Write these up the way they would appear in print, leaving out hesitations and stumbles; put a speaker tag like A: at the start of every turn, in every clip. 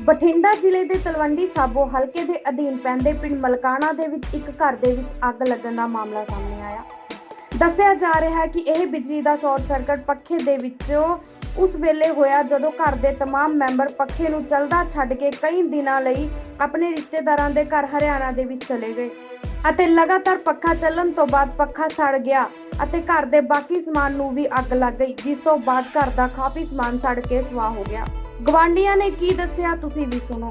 A: ਬਠਿੰਡਾ ਜ਼ਿਲ੍ਹੇ ਦੇ ਤਲਵੰਡੀ ਸਾਬੋ ਹਲਕੇ ਦੇ ਅਧੀਨ ਪੈਂਦੇ ਪਿੰਡ ਮਲਕਾਣਾ ਦੇ ਵਿੱਚ ਇੱਕ ਘਰ ਦੇ ਵਿੱਚ ਅੱਗ ਲੱਗਣ ਦਾ ਮਾਮਲਾ ਸਾਹਮਣੇ ਆਇਆ। ਦੱਸਿਆ ਜਾ ਰਿਹਾ ਹੈ ਕਿ ਇਹ ਬਿਜਲੀ ਦਾ ਸ਼ਾਰਟ ਸਰਕਟ ਪੱਖੇ ਦੇ ਵਿੱਚੋਂ ਉਸ ਵੇਲੇ ਹੋਇਆ ਜਦੋਂ ਘਰ ਦੇ तमाम ਮੈਂਬਰ ਪੱਖੇ ਨੂੰ ਚੱਲਦਾ ਛੱਡ ਕੇ ਕਈ ਦਿਨਾਂ ਲਈ ਆਪਣੇ ਰਿਸ਼ਤੇਦਾਰਾਂ ਦੇ ਘਰ ਹਰਿਆਣਾ ਦੇ ਵਿੱਚ ਚਲੇ ਗਏ ਅਤੇ ਲਗਾਤਾਰ ਪੱਖਾ ਚੱਲਣ ਤੋਂ ਬਾਅਦ ਪੱਖਾ ਸੜ ਗਿਆ ਅਤੇ ਘਰ ਦੇ ਬਾਕੀ ਸਮਾਨ ਨੂੰ ਵੀ ਅੱਗ ਲੱਗ ਗਈ, ਜਿਸ ਤੋਂ ਬਾਅਦ ਘਰ ਦਾ ਕਾਫੀ ਸਮਾਨ ਸੜ ਕੇ ਸੁਆਹ ਹੋ ਗਿਆ। ਗਵਾਂਢੀਆਂ ਨੇ ਕੀ ਦੱਸਿਆ ਤੁਸੀਂ ਵੀ ਸੁਣੋ।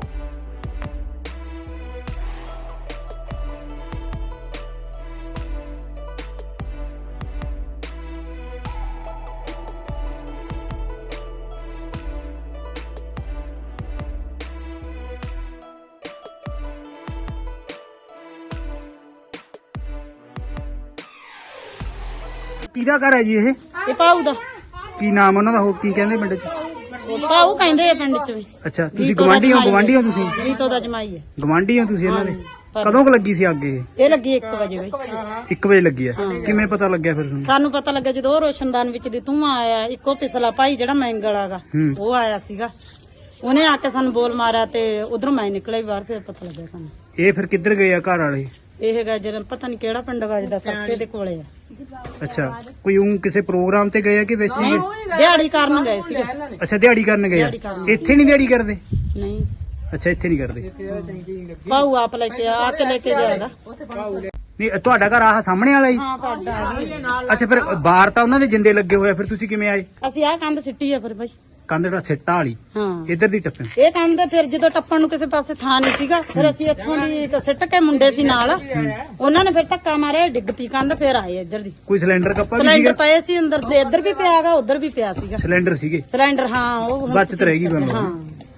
B: ਕਿਹਦਾ ਘਰ ਹੈ ਜੀ
C: ਇਹ ਪਾਉ ਦਾ
B: ਕੀ ਨਾਮ ਉਹਨਾਂ ਦਾ ਹੋ ਕੀ ਕਹਿੰਦੇ ਪਿੰਡ ਚ?
C: ਪਾਉ ਕਹਿੰਦੇ ਆ ਪਿੰਡ ਚ ਵੀ।
B: ਅੱਛਾ ਤੁਸੀਂ ਗਵਾਂਢੀ ਹੋ ਤੁਸੀਂ?
C: ਰੀਤੋ ਦਾ ਜਮਾਈ ਹੈ।
B: ਗਵਾਂਢੀ ਹੋ ਤੁਸੀਂ ਇਹਨਾਂ ਦੇ? ਕਦੋਂ ਕੁ ਲੱਗੀ ਸੀ ਅੱਗ
C: ਇਹ ਲੱਗੀ 1 ਵਜੇ ਬਈ।
B: 1 ਵਜੇ ਲੱਗੀ ਆ। ਕਿਵੇਂ ਪਤਾ ਲੱਗਿਆ ਫਿਰ ਤੁਹਾਨੂੰ?
C: ਸਾਨੂੰ ਪਤਾ ਲੱਗਿਆ ਜਦੋਂ ਉਹ ਰੋਸ਼ਨਦਾਨ ਵਿੱਚ ਦੀ ਧੂੰਆਂ ਆਇਆ, ਇੱਕੋ ਪਿਛਲਾ ਭਾਈ ਜਿਹੜਾ ਮੈਂਗਲ ਆਗਾ ਉਹ ਆਇਆ ਸੀਗਾ, ਉਹਨੇ ਆ ਕੇ ਸਾਨੂੰ ਬੋਲ ਮਾਰਿਆ ਤੇ ਉਧਰੋਂ ਮੈਂ ਨਿਕਲਿਆ ਬਾਹਰ, ਫਿਰ ਪਤਾ ਲੱਗਿਆ ਸਾਨੂੰ।
B: ਇਹ ਫਿਰ ਕਿੱਧਰ ਗਏ ਆ ਘਰ ਵਾਲੇ?
C: ਇਹ ਹੈਗਾ ਜਿਹੜਾ ਪਤਾ ਨਹੀਂ ਕਿਹੜਾ ਪਿੰਡ ਵੱਜਦਾ, ਸੱਚੇ ਦੇ ਕੋਲੇ ਆ।
B: ਅੱਛਾ ਕੋਈ ਕਿਸੇ ਪ੍ਰੋਗਰਾਮ ਤੇ ਗਏ ਆ ਕਿ ਵੈਸੇ ਹੀ?
C: ਦਿਹਾੜੀ ਕਰਨ ਗਏ ਸੀਗੇ।
B: ਅੱਛਾ ਦਿਹਾੜੀ ਕਰਨ ਗਏ ਆ। ਇੱਥੇ ਨਹੀਂ ਦਿਹਾੜੀ ਕਰਦੇ?
C: ਨਹੀਂ।
B: ਅੱਛਾ ਇੱਥੇ ਨਹੀਂ ਕਰਦੇ।
C: ਪਾਉ ਆਪ ਲੈ ਕੇ ਆ ਕੇ ਲੈ ਕੇ ਜਾਏਗਾ।
B: ਨਹੀਂ ਤੁਹਾਡਾ ਘਰ ਆਹ ਸਾਹਮਣੇ ਵਾਲਾ ਹੀ?
C: ਹਾਂ ਸਾਡਾ।
B: ਅੱਛਾ ਫਿਰ ਬਾਹਰ ਤਾਂ ਉਹਨਾਂ ਦੇ ਜਿੰਦੇ ਲੱਗੇ ਹੋਏ ਆ, ਫਿਰ ਤੁਸੀਂ ਕਿਵੇਂ ਆਏ?
C: ਅਸੀਂ ਆਹ ਕੰਧ ਸਿੱਟੀ ਆ ਫਿਰ ਬਾਈ।
B: ਕੰਧ ਦਾ ਸਿੱਟਾ ਵਾਲੀ?
C: ਹਾਂ
B: ਇੱਧਰ ਦੀ ਟੱਪੇ?
C: ਇਹ ਕੰਧ ਫਿਰ ਜਦੋਂ ਟੱਪਣ ਨੂੰ ਕਿਸੇ ਪਾਸੇ ਥਾਂ ਨਹੀਂ ਸੀਗਾ, ਫਿਰ ਅਸੀਂ ਇੱਥੋਂ ਦੀ ਸਿੱਟ ਕੇ ਮੁੰਡੇ ਸੀ ਨਾਲ, ਉਹਨਾਂ ਨੇ ਫਿਰ ਧੱਕਾ ਮਾਰਿਆ, ਡਿੱਗ ਪਈ ਕੰਧ, ਫਿਰ ਆਏ ਇੱਧਰ ਦੀ।
B: ਕੋਈ ਸਿਲੰਡਰ ਕੱਪਾ ਵੀ ਸੀਗਾ?
C: ਸਿਲੰਡਰ ਪਏ ਸੀ ਅੰਦਰ ਦੇ, ਇੱਧਰ ਵੀ ਪਿਆਗਾ ਉੱਧਰ ਵੀ ਪਿਆ ਸੀਗਾ
B: ਸਿਲੰਡਰ ਸੀਗੇ?
C: ਸਿਲੰਡਰ ਹਾਂ ਉਹ
B: ਬਚਤ ਰਹੇਗੀ ਬੰਦਾ।
C: ਹਾਂ।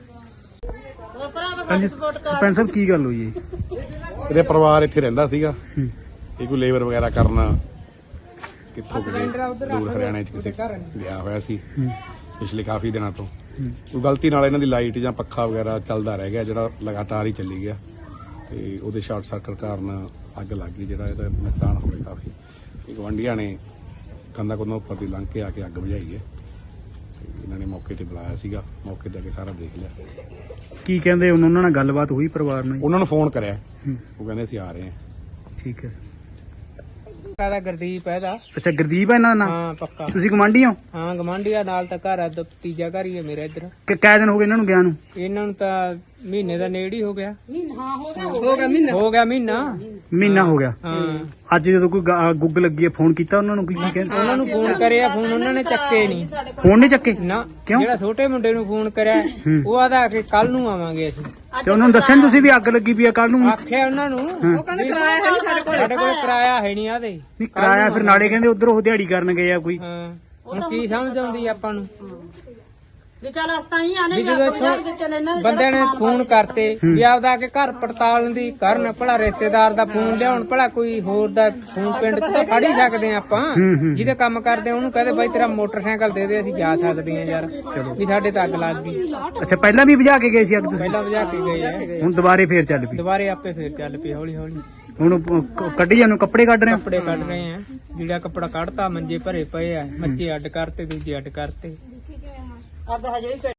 B: ਹਾਂਜੀ ਸਰਪੰਚ ਸਾਹਿਬ ਕੀ ਗੱਲ ਹੋਈ ਹੈ?
D: ਇਹਦੇ ਪਰਿਵਾਰ ਇੱਥੇ ਰਹਿੰਦਾ ਸੀਗਾ, ਇਹ ਕੋਈ ਲੇਬਰ ਵਗੈਰਾ ਕਰਨਾ ਕਿੱਥੋਂ ਦੂਰ ਹਰਿਆਣੇ ਚ ਕਿਸੇ ਗਿਆ ਹੋਇਆ ਸੀ ਪਿਛਲੇ ਕਾਫੀ ਦਿਨਾਂ ਤੋਂ। ਕੋਈ ਗਲਤੀ ਨਾਲ ਇਹਨਾਂ ਦੀ ਲਾਈਟ ਜਾਂ ਪੱਖਾ ਵਗੈਰਾ ਚੱਲਦਾ ਰਹਿ ਗਿਆ, ਜਿਹੜਾ ਲਗਾਤਾਰ ਹੀ ਚੱਲੀ ਗਿਆ ਤੇ ਉਹਦੇ ਸ਼ਾਰਟ ਸਰਕਟ ਕਾਰਨ ਅੱਗ ਲੱਗ ਗਈ, ਜਿਹੜਾ ਇਹਦਾ ਨੁਕਸਾਨ ਹੋ ਗਿਆ ਕਾਫੀ। ਗਵਾਂਢੀਆਂ ਨੇ ਕੰਧਾਂ ਕੋਲੋਂ ਉੱਪਰ ਦੀ ਲੰਘ ਕੇ ਆ ਕੇ ਅੱਗ ਬੁਝਾਈ ਹੈ। ਇਹਨਾਂ ਨੇ ਮੌਕੇ ਤੇ ਬੁਲਾਇਆ ਸੀਗਾ, ਮੌਕੇ ਤੇ ਆ ਕੇ ਸਾਰਾ ਦੇਖ ਲਿਆ।
B: ਕੀ ਕਹਿੰਦੇ ਉਹਨਾਂ ਨਾਲ ਗੱਲਬਾਤ ਹੋਈ ਪਰਿਵਾਰ ਨਾਲ?
D: ਉਹਨਾਂ ਨੂੰ ਫੋਨ ਕਰਿਆ, ਉਹ ਕਹਿੰਦੇ ਅਸੀਂ ਆ ਰਹੇ ਹਾਂ।
B: ਠੀਕ ਹੈ।
E: ਦਾ ਗੁਰਦੀਪ ਹੈ ਦਾ।
B: ਅੱਛਾ ਗੁਰਦੀਪ ਹੈ ਇਹਨਾਂ ਦਾ ਨਾਮ?
E: ਹਾਂ ਪੱਕਾ।
B: ਤੁਸੀਂ ਗਵਾਂਢੀ ਹੋ?
E: ਹਾਂ ਗਵਾਂਢੀਆ ਨਾਲ ਤਾਂ ਘਰ ਆ, ਤੀਜਾ ਘਰ ਹੀ ਹੈ ਮੇਰਾ ਇੱਧਰ।
B: ਕਿੰਨੇ ਦਿਨ ਹੋ ਗਏ ਇਹਨਾਂ ਨੂੰ ਗਿਆ ਨੂੰ?
E: ਇਹਨਾਂ ਨੂੰ ਤਾਂ ਮਹੀਨੇ ਦਾ ਨੇੜੇ ਹੀ ਹੋ ਗਿਆ। ਹੋ ਗਿਆ ਮਹੀਨਾ ਹੋ ਗਿਆ। ਹਾਂ
B: ਅੱਜ ਜਦੋਂ ਕੋਈ ਗੁੱਗ ਲੱਗੀ ਹੈ ਫੋਨ ਕੀਤਾ ਉਹਨਾਂ ਨੂੰ? ਕੀ ਕਹਿੰਦੇ?
E: ਉਹਨਾਂ ਨੂੰ ਫੋਨ ਕਰਿਆ, ਫੋਨ ਉਹਨਾਂ ਨੇ ਚੱਕੇ ਨਹੀਂ।
B: ਫੋਨ ਨਹੀਂ ਚੱਕੇ?
E: ਨਾ।
B: ਕਿਉਂ?
E: ਜਿਹੜਾ ਛੋਟੇ ਮੁੰਡੇ ਨੂੰ ਫੋਨ ਕਰਿਆ ਉਹ ਆਦਾ ਕਿ ਕੱਲ ਨੂੰ ਆਵਾਂਗੇ ਅਸੀਂ।
B: ਤੇ ਉਹਨਾਂ ਨੂੰ ਦੱਸਿਆ ਨੀ ਤੁਸੀਂ ਵੀ ਅੱਗ ਲੱਗੀ ਪਈ ਆ ਕੱਲ ਨੂੰ?
E: ਆਖਿਆ ਉਹਨਾਂ ਨੂੰ, ਉਹ ਕਹਿੰਦੇ ਕਿਰਾਇਆ ਹੈ ਨਹੀਂ ਸਾਡੇ ਕੋਲ ਕਿਰਾਇਆ ਹੈ ਨਹੀਂ ਆਦੇ।
B: ਨਹੀਂ ਕਿਰਾਇਆ ਫਿਰ ਨਾਲੇ ਕਹਿੰਦੇ ਉਧਰ ਉਹ ਦਿਹਾੜੀ ਕਰਨ ਗਏ ਆ ਕੋਈ।
E: ਹਾਂ ਹੁਣ ਕੀ ਸਮਝ ਆਉਂਦੀ ਆਪਾਂ ਨੂੰ?
C: ਵੀ ਚੱਲ ਅਸਤਾ ਹੀ ਆਨੇ
E: ਵੀ ਜਦੋਂ ਬੰਦੇ ਨੇ ਫੋਨ ਕਰਤੇ ਵੀ ਆਪਦਾ ਆ ਕੇ ਘਰ ਪੜਤਾਲ ਦੀ ਕਰਨ, ਭਲਾ ਰਿਸ਼ਤੇਦਾਰ ਦਾ ਫੋਨ ਲਿਆਉਣ, ਭਲਾ ਕੋਈ ਹੋਰ ਦਾ ਫੋਨ ਪਿੰਡ ਚ ਤਾਂ ਫੜ ਹੀ ਸਕਦੇ ਆ ਆਪਾਂ। ਜਿਹਦੇ ਕੰਮ ਕਰਦੇ ਉਹਨੂੰ ਕਹਦੇ ਬਾਈ ਤੇਰਾ ਮੋਟਰਸਾਈਕਲ ਦੇ ਦੇ, ਅਸੀਂ ਜਾ ਸਕਦੇ ਆ ਯਾਰ, ਵੀ ਸਾਡੇ ਤਾਂ ਅੱਗ ਲੱਗ ਗਈ।
B: ਅੱਛਾ ਪਹਿਲਾਂ ਵੀ ਬੁਝਾ ਕੇ ਗਏ ਸੀ ਅੱਗ ਤੁਸੀਂ?
E: ਪਹਿਲਾਂ ਬੁਝਾ ਕੇ ਗਏ ਆ,
B: ਹੁਣ ਦੁਬਾਰੇ ਫੇਰ ਚੱਲ ਪਈ?
E: ਦੁਬਾਰੇ ਆਪੇ ਫੇਰ ਚੱਲ ਪਈ ਹੌਲੀ ਹੌਲੀ।
B: ਹੁਣ ਕੱਢੀ ਜਾਨੂੰ ਕੱਪੜੇ ਕੱਢ ਰਹੇ ਹੋ?
E: ਕੱਪੜੇ ਕੱਢ ਰਹੇ ਆ, ਜਿਹੜਾ ਕੱਪੜਾ ਕੱਢਤਾ ਮੰਜੇ ਭਰੇ ਪਏ ਆ, ਮੱਚੇ ਅੱਡ ਕਰਤੇ, ਦੂਜੇ ਅੱਡ ਕਰਤੇ।
C: ਅੱਗ ਹਜੇ ਵੀ